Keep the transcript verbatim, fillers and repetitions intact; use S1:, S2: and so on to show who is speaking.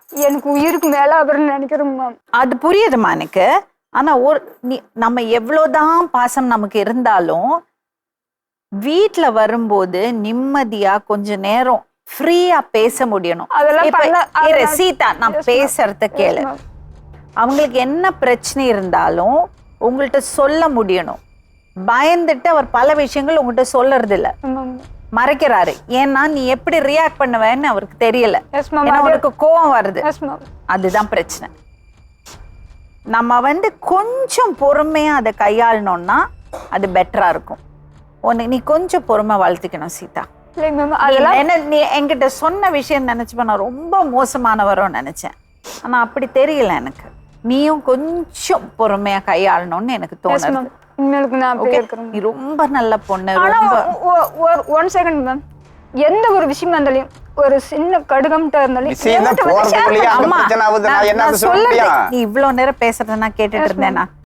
S1: எனக்கு உயிருக்கு மேல அவர்னு நினைக்கிறேன் மேம்.
S2: அது புரியுதுமா எனக்கு. ஆனா ஒரு நீ நம்ம எவ்வளவுதான் பாசம் நமக்கு இருந்தாலும் வீட்டுல வரும்போது நிம்மதியா கொஞ்ச நேரம் ஃப்ரீயா பேச முடியணும்.
S1: அதெல்லாம்
S2: இப்ப
S1: பண்ண-
S2: இரு,
S1: அதெல்லாம்
S2: சீதா நான்
S1: Yes, ma'am.
S2: பேசுறத கேளு.
S1: ma'am.
S2: அவங்களுக்கு என்ன பிரச்சனை இருந்தாலும் உங்கள்கிட்ட சொல்ல முடியணும். பயந்துட்டு அவர் பல விஷயங்கள் உங்கள்கிட்ட சொல்றது இல்ல,
S1: ஆமாம்.
S2: மறைக்கிறாரு. ஏன்னா நீ எப்படி ரியாக்ட் பண்ணுவேன்னு அவருக்கு தெரியல.
S1: Yes, ma'am.
S2: ஏன்னா
S1: அது-
S2: அவருக்கு கோவம் வருது.
S1: Yes, ma'am.
S2: அதுதான் பிரச்சனை. நம்ம வந்து கொஞ்சம் பொறுமையா அதை கையாளணும்னா அது பெட்டரா இருக்கும். உன்னை நீ கொஞ்சம் பொறுமை வளர்த்துக்கணும் சீதா.
S1: இல்லைங்க மேம்,
S2: நீ
S1: அதெல்லாம்
S2: என்ன நீ என்கிட்ட சொன்ன விஷயம் நினைச்சுப்ப நான் ரொம்ப மோசமானவரும் நினைச்சேன். ஆனா அப்படி தெரியல எனக்கு. நீயும் கொஞ்சம் பொறுமையா கையாளணும்னு எனக்கு
S1: Yes,
S2: தோணுது.
S1: ma'am. இனிமேலுக்கு நான் அப்படியே
S2: Okay?
S1: இருக்கிறேன்.
S2: நீ ரொம்ப நல்ல பொண்ணு.
S1: ஆனா
S2: ரொம்ப
S1: ஒன் செகண்ட் மேம், எந்த ஒரு விஷயமா இருந்தாலும் ஒரு சின்ன கடுகம்ட்டா இருந்தாலும்
S3: விஷயம் தான்
S1: என்கிட்ட வந்து share
S3: போறதுக்குள்ளேயே அந்த
S2: அம்மா,
S3: பிரச்சனை ஆகுது. நான்
S2: நான்
S3: என்ன
S2: நான்
S3: சொல்ல
S2: சொல்றது
S3: முடியும்?
S2: நீ இவ்வளவு நேரம் பேசுறத நான் கேட்டுட்டு
S1: Yes, ma'am.
S2: இருந்தேனா?